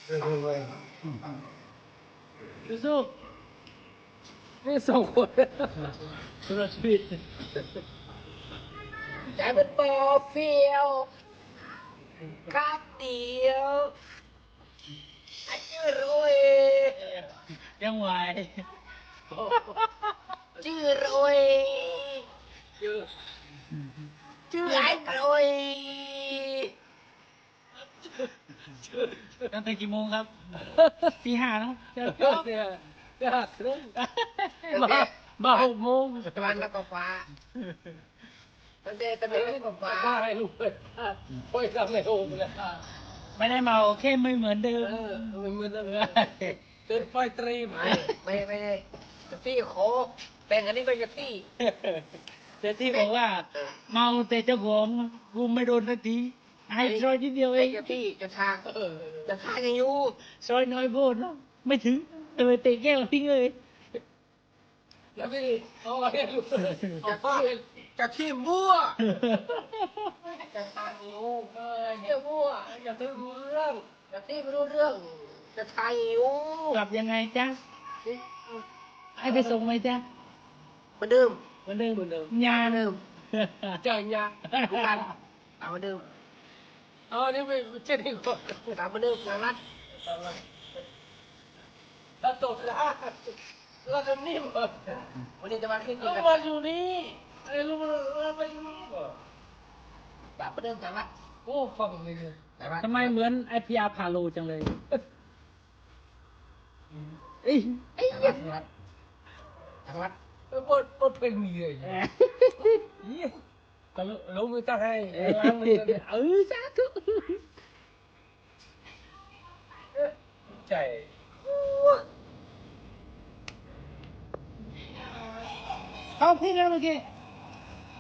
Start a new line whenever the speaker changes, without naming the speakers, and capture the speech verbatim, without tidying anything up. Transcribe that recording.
สู้นี่สองคนสุดชีวิตใจเป็นปอเฟียวครับเดียวไอ้ชื่อรวยยังไหวชื่อรวยชื่อชื่อไอ้รวยตั้งแต่กี่โมงครับตีห้าแล้วเดี๋ยวเนี่ยเดี๋ยวครึ่งมามาหกโมงตะวันแล้วก็ฟ้าตั้งแต่ตะวันแล้วก็ฟ้าฟ้าให้ลูกเลยโอ้ยทำไม่ถูกเลยไม่ได้เมาแค่ไม่เหมือนเดิมไม่เหมือนเดิมเดินไฟตรีมไม่ไม่ได้จะตี้โคแบ่งอันนี้ก็จะตี้แต่ที่บอกว่าเมาแต่เจ้าของกูไม่โดนสักทีให้ซอยนิดเดียวเองพี่จะทางจะทางยังอยู่ซอยน้อยโพดเนาะไม่ถึงเลยเตะแก้วทิ้งเลยแล้วพี่เอาไว้ลูกจะที่จะที่มั่วจะทางอยู่เออเที่ยวมั่วจะที่รู้เรื่องจะที่ไม่รู้เรื่องจะทางอยู่กลับยังไงจ๊ะให้ไปส่งไหมจ๊ะเหมือนเดิมเหมือนเดิมเหมือนเดิมยาเดิมเจอยาทุกการเอาเหมือนเดิมอ๋อนี่ไม่เช่นที่ก่อนตามมาเดิมงานรัดถ้าตกแล้วเราจะนิ่มก่อนวันนี้จะมาขึ้นอีกแล้วมาอยู่นี่ไอ้ลูกเราไปอยู่นี่ก่อนตามมาเดิมแต่ว่าโอ้ฟังเลยทำไมเหมือนไอพีอาร์พาโลจังเลยเอ้ยไอ้ยักษ์รัดทางรัดปดปดเป็นมีเลยแต่ลงมือตั้งให้ล้างมือเออสาธุใจเอาพี่แล้วเมื่อกี้